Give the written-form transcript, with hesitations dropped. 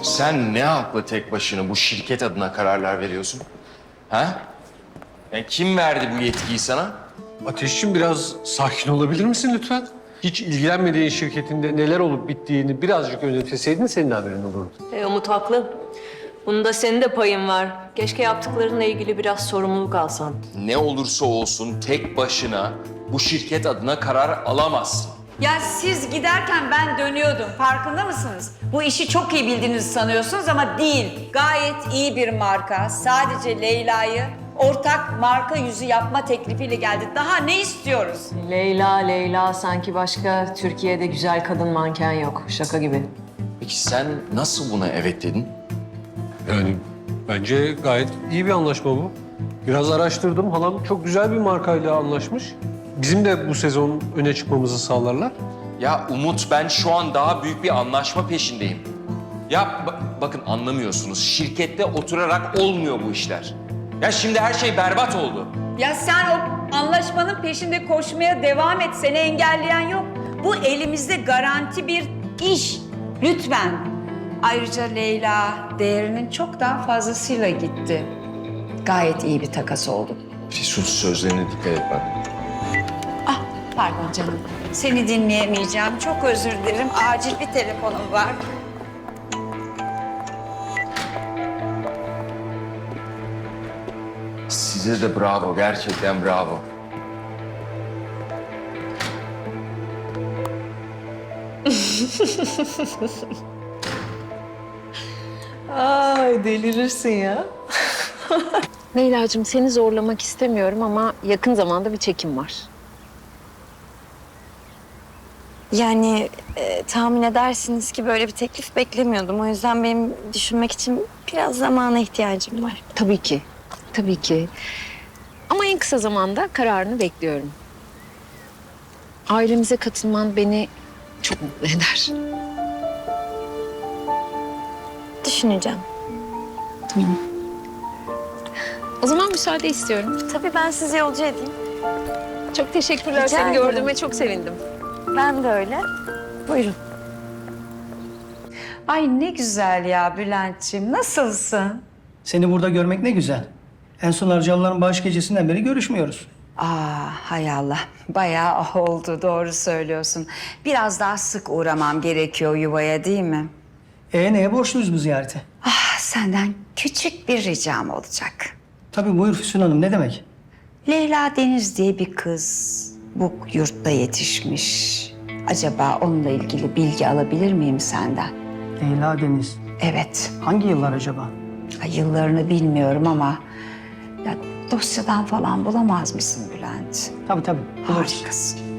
Sen ne hakla tek başına bu şirket adına kararlar veriyorsun? Ha? Yani kim verdi bu yetkiyi sana? Ateşciğim biraz sakin olabilir misin lütfen? Hiç ilgilenmediğin şirketinde neler olup bittiğini birazcık özetleseydin senin haberin olurdu. Umut haklı. Bunda senin de payın var. Keşke yaptıklarınla ilgili biraz sorumluluk alsan. Ne olursa olsun tek başına bu şirket adına karar alamazsın. Ya siz giderken ben dönüyordum. Farkında mısınız? Bu işi çok iyi bildiğinizi sanıyorsunuz ama değil. Gayet iyi bir marka. Sadece Leyla'yı ortak marka yüzü yapma teklifiyle geldi. Daha ne istiyoruz? Leyla sanki başka Türkiye'de güzel kadın manken yok. Şaka gibi. Peki sen nasıl buna evet dedin? Yani bence gayet iyi bir anlaşma bu. Biraz araştırdım. Halam çok güzel bir markayla anlaşmış. Bizim de bu sezon öne çıkmamızı sağlarlar. Ya Umut, ben şu an daha büyük bir anlaşma peşindeyim. Ya bakın anlamıyorsunuz. Şirkette oturarak olmuyor bu işler. Ya şimdi her şey berbat oldu. Ya sen o anlaşmanın peşinde koşmaya devam et. Seni engelleyen yok. Bu elimizde garanti bir iş. Lütfen. Ayrıca Leyla değerinin çok daha fazlasıyla gitti. Gayet iyi bir takas oldu. Füsun, sözlerine dikkat et bak. Ah, pardon canım. Seni dinleyemeyeceğim. Çok özür dilerim. Acil bir telefonum var. Size de bravo, gerçekten bravo. Ay delirirsin ya. Leyla'cığım seni zorlamak istemiyorum ama yakın zamanda bir çekim var. Yani tahmin edersiniz ki böyle bir teklif beklemiyordum. O yüzden benim düşünmek için biraz zamana ihtiyacım var. Tabii ki, tabii ki. Ama en kısa zamanda kararını bekliyorum. Ailemize katılman beni çok mutlu eder. Düşüneceğim. O zaman müsaade istiyorum. Tabii ben sizi yolcu edeyim. Çok teşekkürler. Rica Seni ederim. gördüğüme çok sevindim. Ben de öyle. Buyurun. Ay ne güzel ya Bülent'ciğim. Nasılsın? Seni burada görmek ne güzel. En son Arcalıların bağış gecesinden beri görüşmüyoruz. Hay Allah. Bayağı oldu. Doğru söylüyorsun. Biraz daha sık uğramam gerekiyor yuvaya değil mi? Neye borçluyuz bu ziyarete? Senden küçük bir ricam olacak. Tabii buyur Füsun Hanım, ne demek? Leyla Deniz diye bir kız bu yurtta yetişmiş. Acaba onunla ilgili bilgi alabilir miyim senden? Leyla Deniz. Evet. Hangi yıllar acaba? Yıllarını bilmiyorum ama ya dosyadan falan bulamaz mısın Bülent? Tabii. Buluruz. Harikasın.